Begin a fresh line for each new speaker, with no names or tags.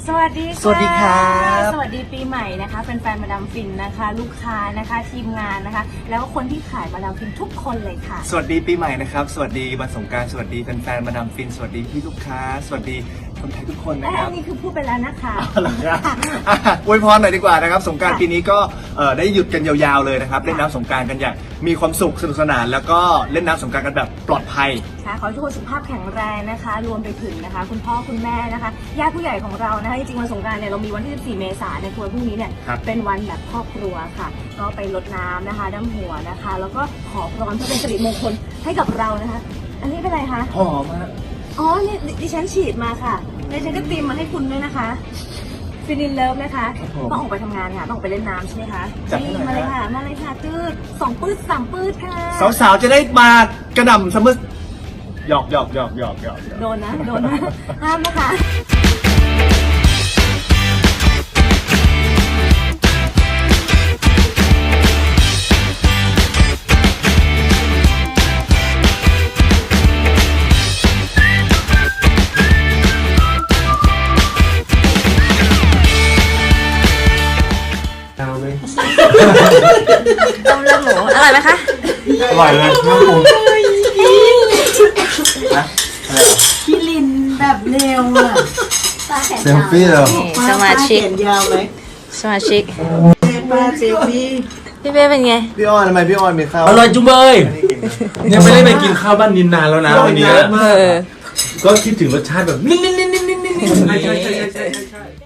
สวัสดีค่ะ
สวัสดีครับ
สวัสดีปีใหม่นะคะแฟนๆมาดามฟินนะคะลูกค้านะคะทีมงานนะคะแล้วก็คนที่ขายมาดามฟินทุกคนเลยค่ะ
สวัสดีปีใหม่นะครับสวัสดีวันสงกรานต์สวัสดีแฟนๆมาดามฟินสวัสดีพี่ลูกค้าสวัสดีคนไทยทุกคนนะครับ
นี่คือพูดไปแล้วนะคะ
เอาล่ะครับอวยพรหน่อยดีกว่านะครับสงกรานต์ปีนี้ก็ได้หยุดกันยาวๆเลยนะครับเล่นน้ำสงกรานต์กันอย่างมีความสุขสนุกสนานแล้วก็เล่นน้ำสงกรานต์กันแบบปลอดภัย
ค่ะขอให้ทุกคนสุขภาพแข็งแรงนะคะรวมไปถึงนะคะคุณพ่อคุณแม่นะคะญาติผู้ใหญ่ของเรานะคะจริงๆวันสงกรานต์เนี่ยเรามีวันที่ 14 เมษายนในวันพรุ่งนี้เนี่ยเป็นวันแบบครอบครัวค่ะก็ไปรดน้ำนะคะน้ำหัวนะคะแล้วก็ขอพรเพื่อเป็นสิริมงคลให้กับเรานะคะอันนี้เป็นอะไรคะ
หอมมาก
อ๋อนี่ดิฉันฉีดมาค่ะดิฉันก็เตรียมมาให้คุณด้วยนะคะฟินินเลิฟนะคะต้องออกไปทำงานค่ะต้องออกไปเล่นน้ำใช่ไหมคะนี่มาเลยค่ะมาเลยค่ะตืด2 ปื้ด 3 ปื้ดค่ะ
สาวๆจะได้มากระหน่ำซัมเมอร์หยอก
โดนนะห้ามนะคะต้มเลือดหมูอร่อยไหมคะ
อร่อยเลยน้ำปรุงนะอะไรเหรอ
พี่ลินแบบเร็วอ่ะ
เซลฟี่เหรอ
สมาชิก
เขียนยาวไหม
สมาชิก
ป้าเซลฟี่
พี่เป้เป็นไง
พี่อ้อนทำไมพี่อ้อนมีข้าว
อร่อยจุ๊บเบยเนี่ยไม่ได้ไปกินข้าวบ้านนินนานแล้วนะวันนี้
เออ
ก็คิดถึงรสชาติแบบนิ่น